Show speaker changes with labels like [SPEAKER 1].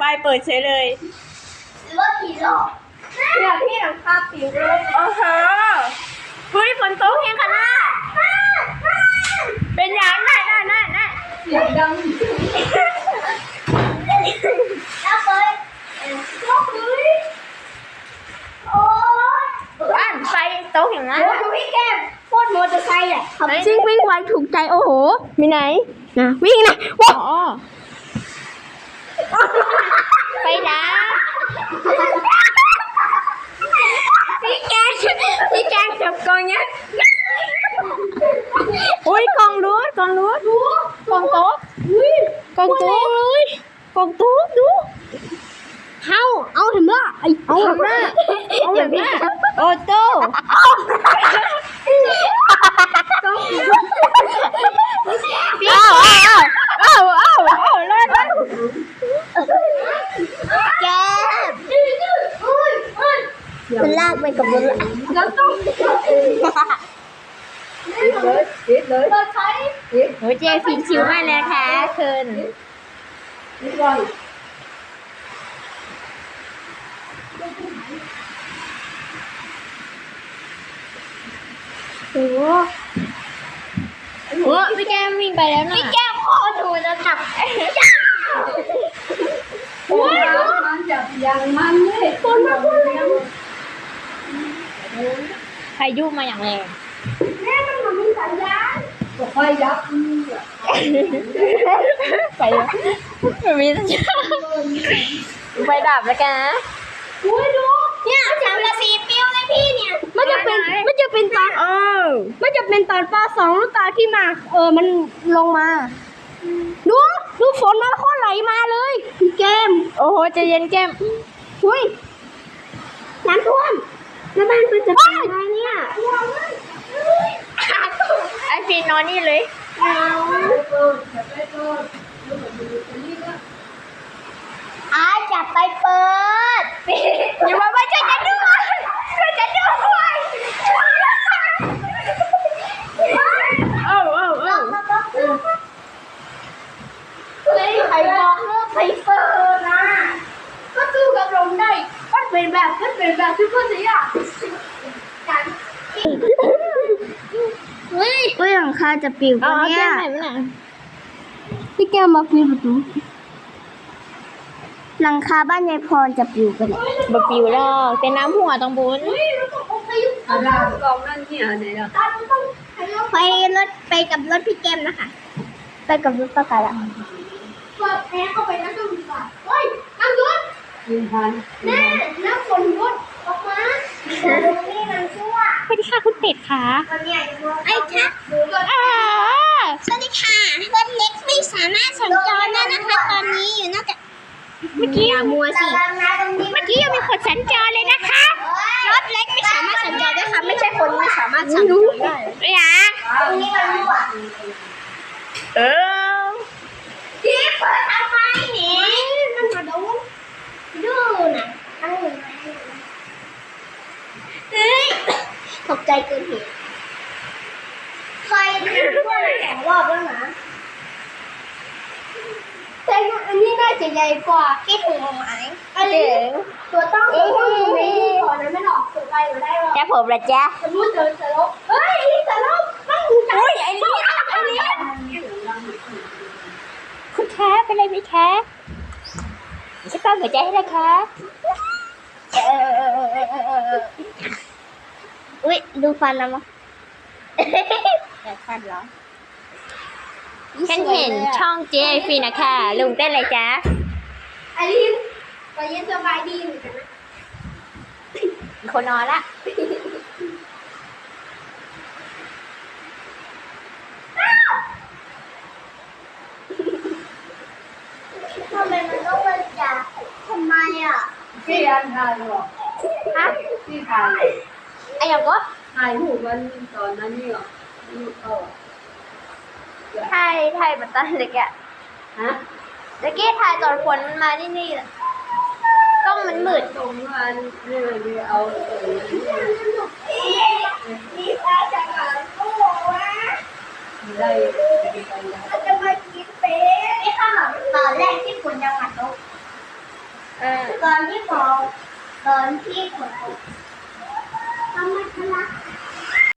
[SPEAKER 1] ป้ายเปิดเฉยเลย
[SPEAKER 2] หรือว่าผีหลอกเนี่ยพี่หลังคาปิวเลย
[SPEAKER 1] โอ้โหเฮ้ยฝนตกเฮงขนาดเป็นอย่างน่ะ
[SPEAKER 2] เสียงดังแล้วเปิดโอ้ย
[SPEAKER 1] อ่านไฟตกอย่างนั้น
[SPEAKER 2] ดูพี่แก้มโคตรมอเตอร์ไซค์อ่ะ
[SPEAKER 1] จริงวิ่งไวถูกใจโอ้โหมีไหนนะวิ่งนะว้าวไปนะพี่แกจับกองเนี้ยอุ้ยกองรูดกองโต๊ะกองโต๊ะเลยกองโต๊ะดู
[SPEAKER 2] เอาเห็นไหม
[SPEAKER 1] เอาแบบนี้โอโต้เอาเลย
[SPEAKER 2] แก้มมันลากไปกับรถแล้วต้องเลย
[SPEAKER 1] โอ้เจฟินชิวมากเลยค่ะคืนโอ้โหพี่แก้มวิ่งไปแล้วนะ
[SPEAKER 2] พี่แก้มพ่อดูจะจับ
[SPEAKER 3] มันจับอย่างมันเลย
[SPEAKER 2] คนมาพูดเลย
[SPEAKER 1] พายุมาอย่างแรง
[SPEAKER 2] แม่มันมีสัญญาณ
[SPEAKER 3] ก็ค่อยยับ
[SPEAKER 1] ไปแล้วมีสัญญาณไฟดับแล้วกันนะ
[SPEAKER 2] อุ้ยดูเนี่ยจังละสีปิ้วเลยพี่เนี่ยมันจะเป็นตอนมันจะเป็นตอนป .2 ตอนที่มามันลงมาดูฝนมันโคตรไหลมาเลยพี่แก้ม
[SPEAKER 1] โอ้โหใจเย็นแก้ม
[SPEAKER 2] อุ้ยน้ำท่วมแล้วบ้านมันจะเป็นอะไรเนี่ย
[SPEAKER 1] ไอฟีนอนนี่เลย
[SPEAKER 2] จับไปเปิด
[SPEAKER 1] อย่ามาช่วยฉันด้วย
[SPEAKER 2] เฮ้ยใครบอกเลิกไปเปิดนะก็สู้กับลมได้ก็เป็นแบบที่พ่อสิอ่ะเฮ้ยหลังคาจะปิวปะเนี่ยพี่แก้วมาปิวประตูหลังคาบ้านยายพรจะปิวไปเลย
[SPEAKER 1] บะปิวแล้วเป็นน้ำหัวตรงบุญ
[SPEAKER 3] อะไรกองนั่นที่ไหนล่ะ
[SPEAKER 2] ไปกับรถพี่แก้มนะคะไปกับรถป้าไก่ละเปิดแอร์เข้าไปนะต้องดีกว่าเฮ้ยน้ำยุด
[SPEAKER 3] ยิงพัน
[SPEAKER 2] แม่น้ำฝนยุดออกมานี่มันชั่ว
[SPEAKER 1] สวัสดีค่ะคุณเป็ดค่ะ
[SPEAKER 2] ไอ้ค่ะสวัสดีค่ะรถเล็กไม่สามารถสัญจรได้นะคะตอนนี้อยู่นอกจาก
[SPEAKER 1] เมื่อกี้
[SPEAKER 2] มัวสิ
[SPEAKER 1] ยังมีคนสัญจรเลยนะคะ
[SPEAKER 2] รถเล็กไม่สามารถสัญจรได้ค่ะไม่ใช่คนไม่สามารถสัญจรได้
[SPEAKER 1] ไม่อยาก
[SPEAKER 2] ตรงนี้มันรั่วพี่เปิดทำไมเนี่ยมันมาดูน่ะตั้งอยู่ไหนเฮ้ยตกใจเกินเหตุใครพูด2 รอบแล้วนะแต่อันนี้น่าจะใหญ่กว่าคิดถึงไหมตัวต้องอยู่ในขอนั้นไม่หลอกสุดไปอยู่ได้หรอ
[SPEAKER 1] จะผมละจ๊ะ
[SPEAKER 2] สมมติเจอสลบเฮ้ยสลบต้องดูใจ
[SPEAKER 1] ไอ้นี่คุณแท้เป็นไรไหมแท้ฉันตั้งหัวใจให้นะคะ
[SPEAKER 2] อุ๊ยดูฟันนะมั้งแต่ฟันเหรอ
[SPEAKER 1] ฉันเห็นช่องเจฟีนะคะลุงเต้นอะไรจ๊ะ
[SPEAKER 2] อลินก็ยังสบายดีเหมือนกันนะ
[SPEAKER 1] คนนอนละ
[SPEAKER 2] ทำไมมันต้องมาจากทำไมอ่ะ
[SPEAKER 3] ที่อันถ่ายหรอ
[SPEAKER 1] ฮะ
[SPEAKER 3] ที่ถ่าย
[SPEAKER 1] ไอ้ยังก็
[SPEAKER 3] ถ่ายหูมันตอนนั้นนี่หรอ
[SPEAKER 1] ไทยบัตตันเล็กอะ
[SPEAKER 3] ฮะ
[SPEAKER 1] เมื่อกี้ถ่ายตอนฝนมันมาที่นี่แหละกล้องมันมืด
[SPEAKER 3] ตรงนั้นนี่เอา
[SPEAKER 2] มีปลาจากหางกุ้งวะ
[SPEAKER 3] ได้
[SPEAKER 2] จะมากินเป็ดไอ้ข้าวตอนแรกที่ฝนยังมาตก
[SPEAKER 1] เออ
[SPEAKER 2] ตอนที่ฝนตก